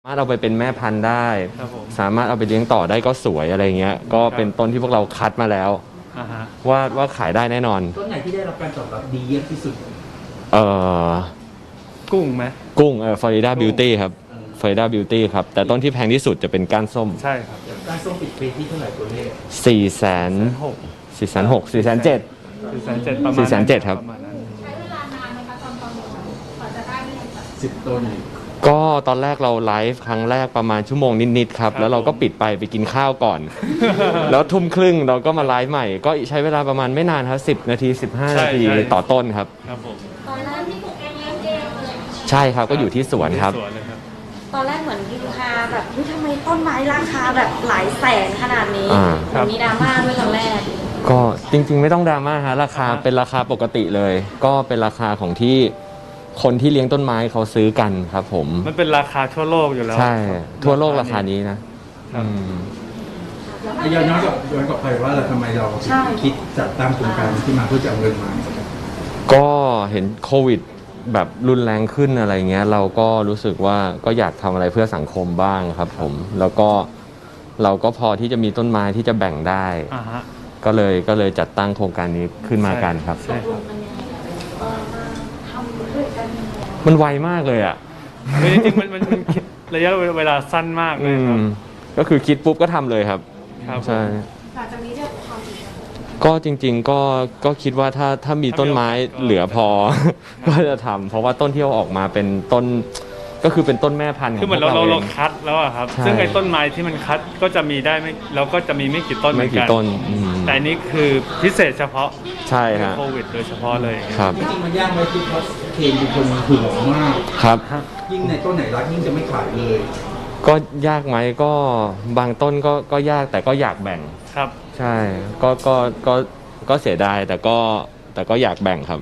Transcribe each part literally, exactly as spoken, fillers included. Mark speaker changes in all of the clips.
Speaker 1: สามารถเอาไปเป็นแม่พันธุ์ได้
Speaker 2: ครับผม
Speaker 1: สามารถเอาไปเลี้ยงต่อได้ก็สวยอะไรเงี้ยก็เป็นต้นที่พวกเราคัดมาแล้ว
Speaker 2: อ่าฮะ
Speaker 1: ว่าว่าขายได้แน่นอน
Speaker 3: ต้นไหนที่ได้รับการตอบรับดีเยี่ยมที่สุด
Speaker 1: เอ่อ
Speaker 2: กุ้งไหม
Speaker 1: กุ้งเอ่อฟลอริดาบิวตี้ครับฟลอริดาบิวตี้ครับแต่ต้นที่แพงที่สุดจะเป็นก้านส้ม
Speaker 2: ใช่ครับ
Speaker 3: ก้านส้มปิดเฟซที่เท่าไหร่ตัวเลข
Speaker 1: สี่แสน
Speaker 2: หก
Speaker 1: สี่แสนหกสี่แสนเจ็ด
Speaker 2: สี่แสนเจ็ดประมาณ
Speaker 1: สี่แสนเจ็ดครับ
Speaker 4: ใช้เวลานานไหมคะตอนประมูลกว่าจะได้เนี่ย
Speaker 3: สิบต้น
Speaker 1: ก็ตอนแรกเราไลฟ์ครั้งแรกประมาณชั่วโมงนิดๆครับแล้วเราก็ปิดไปไปกินข้าวก่อนแล้วทุ่มครึ่งเราก็มาไลฟ์ใหม่ก็ใช้เวลาประมาณไม่นานครับสิบนาทีสิบห้านาทีต่อต้นครับ
Speaker 2: ครับผม
Speaker 4: ตอนนั้นที่ปลูกเองเลี้ยงเองเลย
Speaker 1: ใช่ครับก็อยู่ที่สวนครับ
Speaker 4: ตอนแรกเหมือนยูคาแบบเฮ้ยทำไมต้นไม้ราคาแบบหลายแสนขนาดนี้มีดราม่าด้วยตอนแรก
Speaker 1: ก็จริงๆไม่ต้องดราม่าฮะราคาเป็นราคาปกติเลยก็เป็นราคาของที่คนที่เลี้ยงต้นไม้เขาซื้อกันครับผม
Speaker 2: มันเป็นราคาทั่วโลกอยู่แล้ว
Speaker 1: ใช่ทั่วโลกราคานี้นะ
Speaker 3: ย้อนย้อนกับย้อนกับไปว่าเราทำไมเราคิดจัดตั้งโครงการที่มาเพื่อจะเอาเงินมา
Speaker 1: ก็เห็นโควิดแบบรุนแรงขึ้นอะไรเงี้ยเราก็รู้สึกว่าก็อยากทำอะไรเพื่อสังคมบ้างครับผมแล้วก็เราก็พอที่จะมีต้นไม้ที่จะแบ่งได้ก็เลยก็เลยจัดตั้งโครงการนี้ขึ้นมากันครับมันไวมากเลยอ่ะ
Speaker 2: จริงๆมันมันระยะเวลาสั้นมากเลยครับ
Speaker 1: ก็คือคิดปุ๊บก็ทำเลยครับใช่ก็จริงๆก็ก็คิดว่าถ้าถ้ามีต้นไม้เหลือพอก็จะทำเพราะว่าต้นที่เอาออกมาเป็นต้นก็คือเป็นต้นแม่พันธุ์ของ
Speaker 2: คือเหมือนเราเราคัดแล้วอะครับซึ่งไอ้ต้นไม้ที่มันคัดก็จะมีได้ไม่เราก็จะมีไม่กี่ต้นเหมือนกันแต่นี้คือพิเศษเฉพาะ
Speaker 1: ใช่ฮะ
Speaker 2: โควิดโดยเฉพาะเลย
Speaker 1: ครับ
Speaker 3: จริงๆมันยากไหมที่เพราะเคนเป็นคนหึงมาก
Speaker 1: ครับ
Speaker 3: ยิ่งในต้นไหนรักยิ่งจะไม่ขายเลย
Speaker 1: ก็ยากไหมก็บางต้นก็ก็ยากแต่ก็อยากแบ่ง
Speaker 2: ครับ
Speaker 1: ใช่ก็ก็ก็ก็เสียดายแต่ก็แต่ก็อยากแบ่งครับ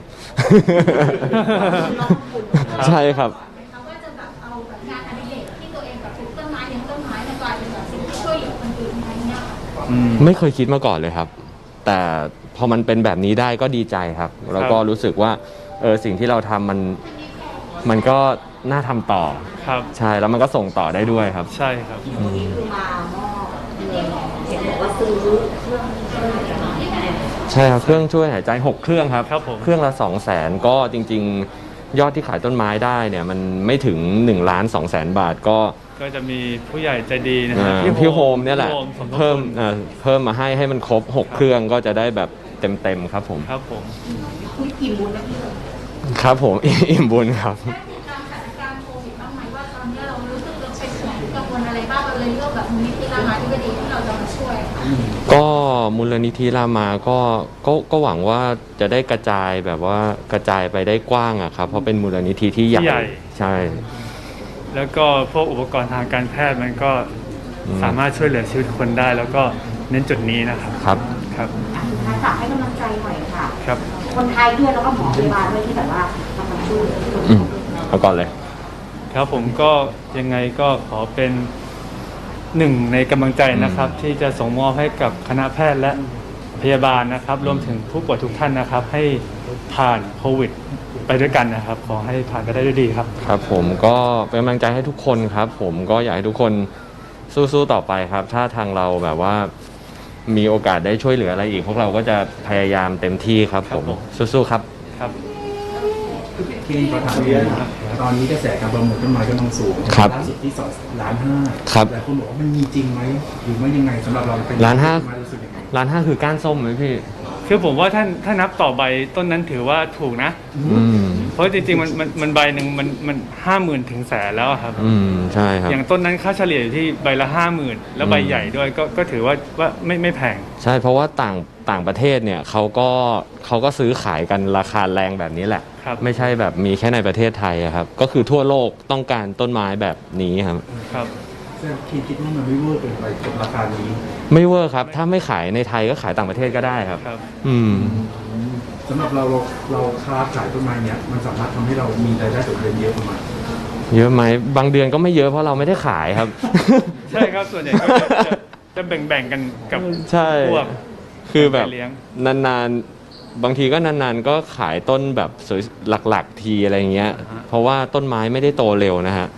Speaker 1: ใช่ครับ
Speaker 4: ว่าจะแบบเอาแบบงานอดิเรกที่ตัวเองแบบปลูกต้นไม้เลี้ยงต้นไม้มากลายเป็นแบบสิ่งที่ช่วยเหลือคนอื่นอะไรเงี้ย
Speaker 1: ไม่เคยคิดมาก่อนเลยครับแต่พอมันเป็นแบบนี้ได้ก็ดีใจครับแล้วก็รู้สึกว่าเออสิ่งที่เราทำมันมันก็น่าทำต่อ
Speaker 2: ครับ
Speaker 1: ใช่แล้วมันก็ส่งต่อได้ด้วยครับ
Speaker 2: ใช่ครับ
Speaker 4: นี่คือมามอบเงินเห็นบอกว่าซื้อเครื่องช่วยหายใจ
Speaker 1: ใช่ครับเครื่องช่วยหายใจหกเครื่องครับเครื่องละสองแสนก็จริงๆยอดที่ขายต้นไม้ได้เนี่ยมันไม่ถึงหนึ่งล้านสองแสนบาทก็
Speaker 2: ก็จะมีผู้ใหญ่ใจดีนะครั
Speaker 1: บพี่โฮมเนี่ยแหละเพิ่มเพิ่มมาให้ให้มันครบหกเครื่องก็จะได้แบบเต็มๆครับผม
Speaker 2: ครับผม
Speaker 4: อิ่มบุญนะพี่
Speaker 1: ครับผมอิ่มบุญครับ
Speaker 4: เรารู้สึกเราเป็นห่วงกังวลอะไรบ้างเราเลยเลือกแบบมูลนิธิรามาธิบดีที่เราจะมาช่วย
Speaker 1: ก็มูลนิธิรามาก็ก็ก็หวังว่าจะได้กระจายแบบว่ากระจายไปได้กว้างอะครับเพราะเป็นมูลนิธิที่ใหญ่ใช่
Speaker 2: แล้วก็พวกอุปกรณ์ทางการแพทย์มันก็สามารถช่วยเหลือชีวิตคนได้แล้วก็เน้นจุดนี้นะครับ
Speaker 1: ครับ
Speaker 2: ครับ
Speaker 4: ฝากให้กำลังใจหน่อยค่ะ
Speaker 2: ครับ
Speaker 4: คนไทยด้วยแล้วก็หมอพยาบาลด้วยที่แบบว่าทำมาช่วย
Speaker 1: เอาก่อนเลย
Speaker 2: ครับผมก็ยังไงก็ขอเป็นหนึ่งในกำลังใจนะครับที่จะส่งมอบให้กับคณะแพทย์และพยาบาลนะครับรวมถึงผู้ป่วยทุกท่านนะครับให้ผ่านโควิดไปด้วยกันนะครับขอให้ผ่านไปได้ด้วยดีครับ
Speaker 1: ครับผมก็เป็นกำลังใจให้ทุกคนครับผมก็อยากให้ทุกคนสู้ๆต่อไปครับถ้าทางเราแบบว่ามีโอกาสได้ช่วยเหลืออะไรอีกพวกเราก็จะพยายามเต็มที่ครับผมสู้ๆครับ
Speaker 2: ครับ
Speaker 3: เคนขอถามเรื่องตอนนี้กระแสการประมูลต้นไม้กำลังสูงล่าสุดที่สองล้านห้าหลายคนบอกว่ามันมีจริงไหมหรือไม่ยังไงสำหรับเราเป็น
Speaker 1: ล้านห้าล้านห้าคือก้านส้มไหมพี่
Speaker 2: คือผมว่าท่านถ้านับต่อใบต้นนั้นถือว่าถูกนะเพราะจริงๆมันมันมันใบหนึ่งมันมันห้าหมื่นถึงแสนแล้วครับ
Speaker 1: อืมใช่ครับ
Speaker 2: อย่างต้นนั้นค่าเฉลี่ยอยู่ที่ใบละห้าหมื่นแล้วใบใหญ่ด้วยก็ก็ถือว่าว่าไม่ไม่แพง
Speaker 1: ใช่เพราะว่าต่างต่างประเทศเนี่ยเขาก็เขาก็ซื้อขายกันราคาแรงแบบนี้แหละไม่ใช่แบบมีแค่ในประเทศไทยครับก็คือทั่วโลกต้องการต้นไม้แบบนี้ครับ
Speaker 2: ครับ
Speaker 3: แต่คิดว่ามันไม่เวอร์เกินไปกับราคานี้
Speaker 1: ไม่เวอร์ครับถ้าไม่ขายในไทยก็ขายต่างประเทศก็ได้ครับอืม
Speaker 3: สำหรับเราเราเราค้าขายต้นไม้เนี่ยมันสามารถทำให้เรามีรายได้ต่อเดือนเยอะประมาณ
Speaker 1: เยอะไหมบางเดือนก็ไม่เยอะเพราะเราไม่ได้ขายครับ
Speaker 2: ใช่ครับส่วนใหญ่ก็จะจะแบ่งๆกันกับพวก
Speaker 1: คือแบบนานๆบางทีก็นานๆก็ขายต้นแบบสวยหลักๆทีอะไรเงี้ยเพราะว่าต้นไม้ไม่ได้โตเร็วนะฮะ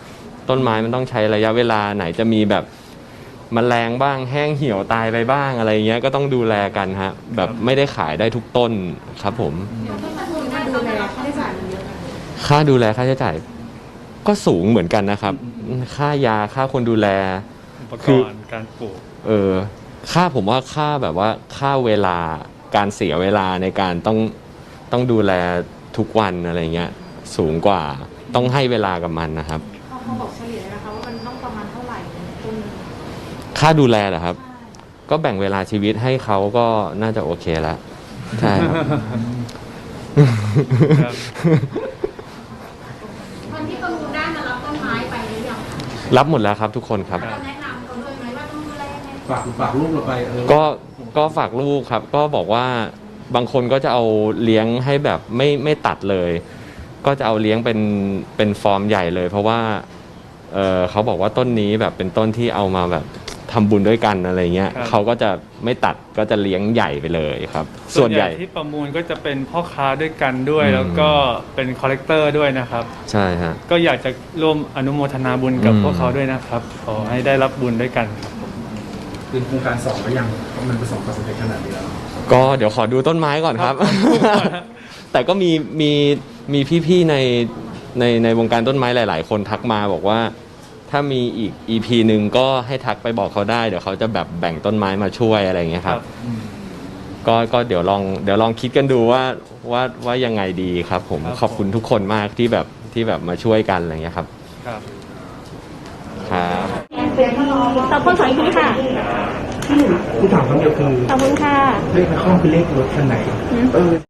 Speaker 1: ต้นไม้มันต้องใช้ระยะเวลาไหนจะมีแบบแมลงบ้างแห้งเหี่ยวตายไปบ้างอะไรเงี้ยก็ต้องดูแลกันฮะแบบไม่ได้ขายได้ทุกต้นครับผม
Speaker 4: ดูแลค่าใช้จ่ายมันเยอะนะ
Speaker 1: ค่าดูแลค่าใช้จ่ายก็สูงเหมือนกันนะครับ ค่ายาค่าคนดูแล
Speaker 2: อุปก
Speaker 1: คือ
Speaker 2: รณ์การปลูก
Speaker 1: เออค่าผมว่าค่าแบบว่าค่าเวลาการเสียเวลาในการต้องต้องดูแลทุกวันอะไรเงี้ยสูงกว่าต้องให้เวลากับมันนะครับ
Speaker 4: เขาเขาบอกเฉลี่ยนะคะว่ามันต้องประมาณเท่าไหร่ต้นหนึ่ง
Speaker 1: ค่าดูแลเหรอครับ ก็แบ่งเวลาชีวิตให้เขาก็น่าจะโอเคแล้วใช่ครับ
Speaker 2: ครับ
Speaker 4: คนที่ประมูลได้มารับต้นไม้ไปหรือยังคะ
Speaker 1: รับหมดแล้วครับทุกคนครับ
Speaker 4: เราแนะนำเขาด้วยไหมว่าต้องดูแลยังไง
Speaker 3: ฝากฝากลูกเราไปเออ
Speaker 1: ก็ก็ฝากลูกครับ ก็บอกว่าบางคนก็จะเอาเลี้ยงให้แบบไม่ไม่ตัดเลย ก็จะเอาเลี้ยงเป็นเป็นฟอร์มใหญ่เลย เพราะว่าเออเขาบอกว่าต้นนี้แบบเป็นต้นที่เอามาแบบทำบุญด้วยกันอะไรเงี้ย
Speaker 2: ครับ
Speaker 1: เขาก็จะไม่ตัดก็จะเลี้ยงใหญ่ไปเลยครับ ส่วนใหญ่
Speaker 2: ที่ประมูลก็จะเป็นพ่อค้าด้วยกันด้วย
Speaker 1: อืม
Speaker 2: แล้วก็เป็นคอลเลกเตอร์ด้วยนะครับ
Speaker 1: ใช่ฮะ
Speaker 2: ก็อยากจะร่วมอนุโมทนาบุญกับ
Speaker 1: อืม
Speaker 2: พวกเขาด้วยนะครับ ขอให้ได้รับบุญด้วยกันครับ
Speaker 3: เป็นโครงการสองก็ยังเพราะมันประสบความสำเร็จขนาดนี้แล้ว
Speaker 1: ก็เดี๋ยวขอดูต้นไม้ก่อนครับ
Speaker 2: ครับ
Speaker 1: แต่ก็มีมีมีพี่ๆในในในวงการต้นไม้หลาย ๆ คนทักมาบอกว่า ถ้ามีอีก อี พี หนึ่งก็ให้ทักไปบอกเขาได้เดี๋ยวเขาจะแบบแบ่งต้นไม้มาช่วยอะไรอย่างเงี้ยครับ ก็ก็เดี๋ยวลองเดี๋ยวลองคิดกันดูว่าว่าว่ายังไงดีครับ ผม
Speaker 2: ครับ
Speaker 1: ขอบคุณทุกคนมากที่แบบที่แบบมาช่วยกันอะไรอย่างเงี้ยครับ
Speaker 2: ครับ
Speaker 1: ครับ
Speaker 5: ขอบคุณสองทีค่ะ
Speaker 3: ที่ถามคำเดียวคือ
Speaker 5: ขอบคุณค่ะ
Speaker 3: เลขในห้องคือเลขรถคันไหนเออ